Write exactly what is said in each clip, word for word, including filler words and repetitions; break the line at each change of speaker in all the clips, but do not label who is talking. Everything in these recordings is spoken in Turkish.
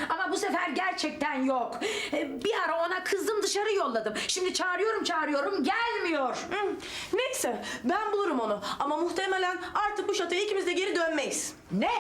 Ama bu sefer gerçekten yok. Ee, Bir ara ona kızdım, dışarı yolladım. Şimdi çağırıyorum çağırıyorum gelmiyor.
Hı, neyse ben bulurum onu. Ama muhtemelen artık bu şatoya ikimiz de geri dönmeyiz.
Ne?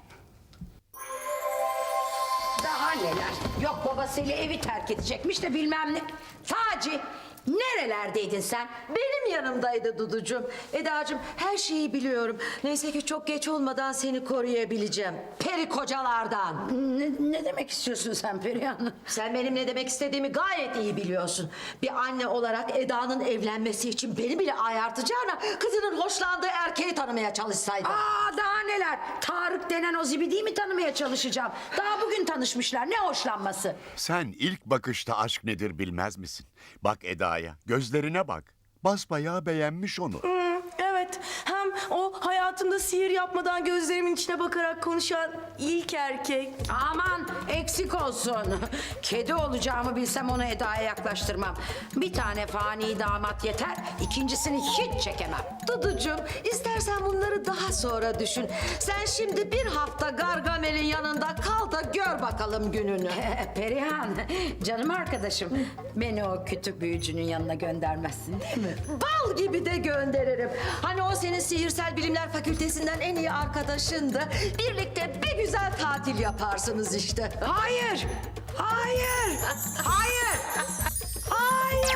Daha neler? Yok babasıyla evi terk edecekmiş de bilmem ne. Taci, nerelerdeydin sen?
Benim yanımdaydı Duducuğum. Edacığım her şeyi biliyorum. Neyse ki çok geç olmadan seni koruyabileceğim. Peri kocalardan.
Ne, ne demek istiyorsun sen Perihan?
Sen benim ne demek istediğimi gayet iyi biliyorsun. Bir anne olarak Eda'nın evlenmesi için beni bile ayartacağına kızının hoşlandığı erkeği tanımaya çalışsaydın.
Aa daha neler? Tarık denen o zibidiyi mi tanımaya çalışacağım? Daha bugün tanışmışlar. Ne hoşlanması?
Sen ilk bakışta aşk nedir bilmez misin? Bak Eda'ya, gözlerine bak. Basbayağı beğenmiş onu.
Hı, evet. Hem o hayatımda sihir yapmadan gözlerimin içine bakarak konuşan ilk erkek.
Aman eksik olsun. Kedi olacağımı bilsem onu Eda'ya yaklaştırmam. Bir tane fani damat yeter. İkincisini hiç çekemem.
Duducuğum istersen bunları daha sonra düşün. Sen şimdi bir hafta Gargamel'in yanında kal da gör bakalım gününü.
Perihan, canım arkadaşım. Beni o kütük büyücünün yanına göndermezsin değil mi?
Bal gibi de gönderirim. Hani o senin sihirsel bilimler fakültesinden en iyi arkadaşındı. Birlikte bir güzel tatil yaparsınız işte.
Hayır! Hayır! Hayır! Hayır!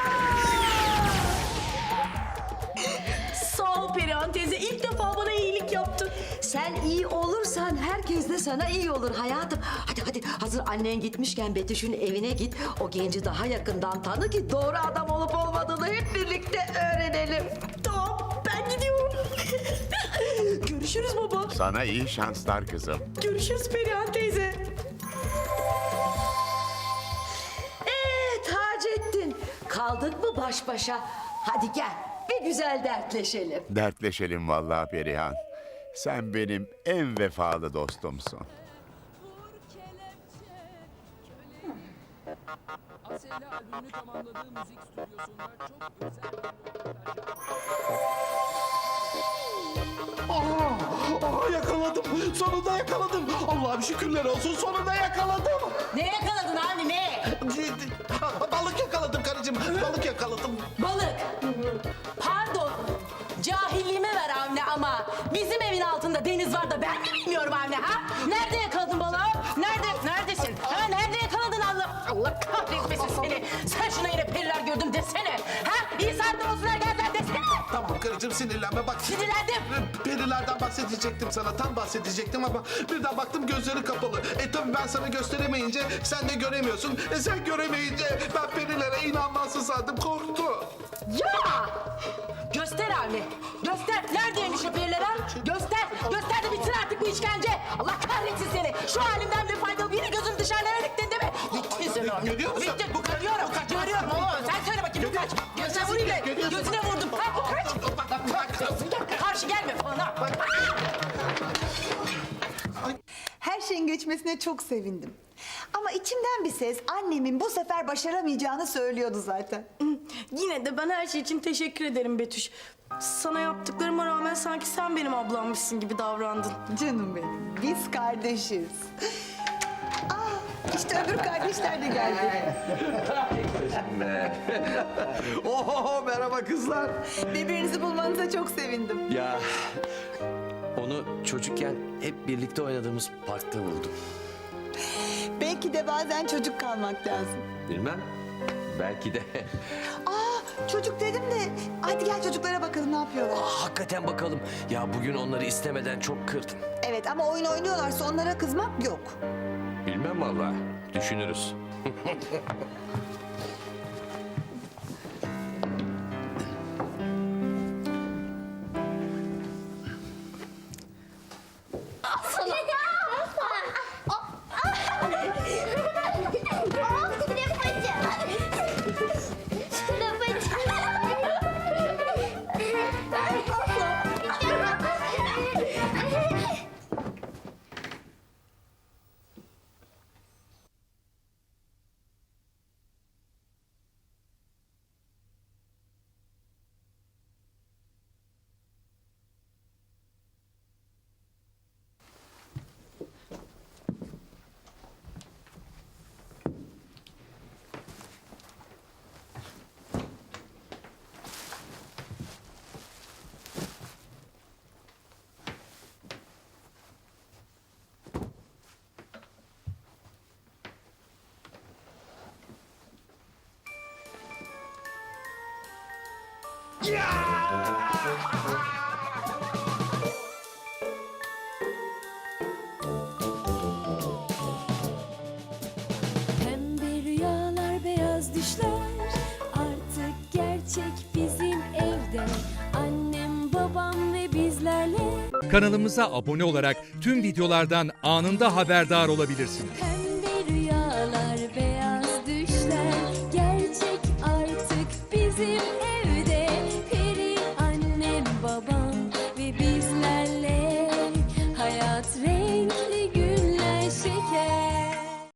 Sağ ol Perihan teyze. İlk defa bana iyilik yaptın.
Sen iyi olursan herkes de sana iyi olur hayatım. Hadi hadi hazır annen gitmişken Betüş'ün evine git. O genci daha yakından tanı ki doğru adam olup olmadığını hep birlikte öğrenelim.
Tamam ben gidiyorum. Görüşürüz baba.
Sana iyi şanslar kızım.
Görüşürüz Perihan teyze.
Ee Taceddin, kaldık mı baş başa? Hadi gel bir güzel dertleşelim.
Dertleşelim vallahi Perihan. Sen benim en vefalı dostumsun.
Asela albümünü tamamladığı müzik stüdyosunda çok özel
Aa, yakaladım. Sonunda yakaladım. Allah'ım şükürler olsun. Sonunda yakaladım.
Ne yakaladın abi ne?
Balık yakaladım karıcığım. Balık yakaladım.
Balık. Pardon. Cahilliğime ver Avni ama bizim evin altında deniz var da ben mi bilmiyorum Avni ha? Nerede yakaladın balığı? Nerede? Neredesin? Ha nerede yakaladın Allah? Allah kahretmesin seni. Sen şuna yine periler gördüm desene. Ha? İyi saatte olsunlar geldiler desene.
Tamam karıcığım sinirlenme bak.
Sinirlendim.
Perilerden bahsedecektim sana. Tam bahsedecektim ama birden baktım gözleri kapalı. E tabii ben sana gösteremeyince sen de göremiyorsun. E sen göremeyince ben perilere inanmazsın sandım. Korktu.
Ya! Göster Avni. Göster. Neredeymiş o periler ha? Göster. Göster de bitsin artık bu işkence. Allah kahretsin seni. Şu halimden bir faydalı yine gözün dışarılara diktin değil mi? Bittin sen Avni.
Görüyor musun?
Bittin.
Bu kaç-
Görüyorum.
bu kaç-
Görüyorum oğlum. Sen söyle bakayım bu kaç. Gözüne vurayım da. Gözüne vurdum. Ha bu kaç. Karşı gelme falan ha.
Her şeyin geçmesine çok sevindim. Ama içimden bir ses annemin bu sefer başaramayacağını söylüyordu zaten.
Yine de ben her şey için teşekkür ederim Betüş. Sana yaptıklarıma rağmen sanki sen benim ablammışsın gibi davrandın.
Canım benim, biz kardeşiz. Aa, işte öbür kardeşler de geldi.
Oho merhaba kızlar.
Birbirinizi bulmanıza çok sevindim.
Ya onu çocukken hep birlikte oynadığımız parkta buldum.
Belki de bazen çocuk kalmak lazım.
Bilmem. Belki de.
Aa, çocuk dedim de hadi gel çocuklara bakalım ne yapıyorlar.
Aa, hakikaten bakalım. Ya bugün onları istemeden çok kırdım.
Evet ama oyun oynuyorlarsa onlara kızmak yok.
Bilmem vallahi. Düşünürüz.
Pembe rüyalar, beyaz düşler artık gerçek bizim evde. Annem, babam ve bizlerle.
Kanalımıza abone olarak tüm videolardan anında haberdar olabilirsiniz.
Pembe rüyalar, beyaz düşler gerçek artık bizim evde. Peri annem, babam ve bizlerle hayat rengi